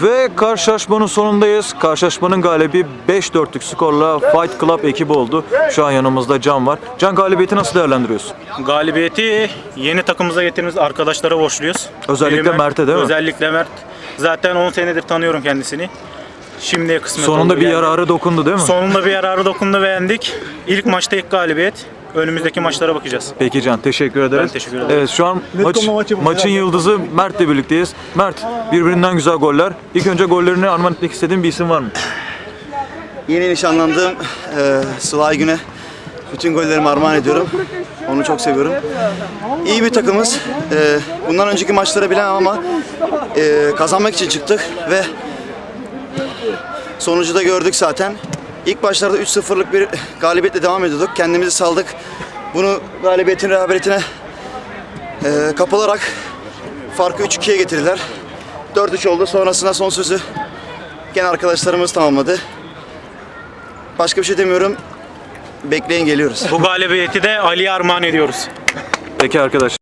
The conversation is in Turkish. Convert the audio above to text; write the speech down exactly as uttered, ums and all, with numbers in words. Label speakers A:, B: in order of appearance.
A: Ve karşılaşmanın sonundayız. Karşılaşmanın galibi beş dörtlük skorla Fight Club ekibi oldu. Şu an yanımızda Can var. Can, galibiyeti nasıl değerlendiriyorsun?
B: Galibiyeti yeni takımımıza getirdiğimiz arkadaşlara borçluyuz.
A: Özellikle
B: Biri
A: Mert'e değil mi?
B: Özellikle Mert. Zaten on senedir tanıyorum kendisini. Şimdiye kısmet
A: Sonunda
B: oldu
A: bir
B: yani.
A: yararı dokundu değil mi?
B: Sonunda bir yararı dokundu, beğendik. İlk maçta ilk galibiyet. Önümüzdeki maçlara bakacağız.
A: Peki Can, teşekkür ederiz.
B: Ben teşekkür ederim.
A: Evet, şu an maç,
C: maçı bu.
A: maçın yıldızı Mert'le birlikteyiz. Mert, birbirinden güzel goller. İlk önce gollerini armağan etmek istediğin bir isim var mı?
C: Yeni nişanlandığım e, Sıla Gün'e bütün gollerimi armağan ediyorum. Onu çok seviyorum. İyi bir takımız. E, bundan önceki maçları bilemem ama e, kazanmak için çıktık ve sonucu da gördük zaten. İlk başlarda üç sıfırlık bir galibiyetle devam ediyorduk. Kendimizi saldık. Bunu galibiyetin rehaberiyetine e, kapılarak farkı üç ikiye getirdiler. dört üç oldu. Sonrasında son sözü gene arkadaşlarımız tamamladı. Başka bir şey demiyorum. Bekleyin, geliyoruz.
B: Bu galibiyeti de Ali'ye armağan ediyoruz.
A: Peki arkadaşlar.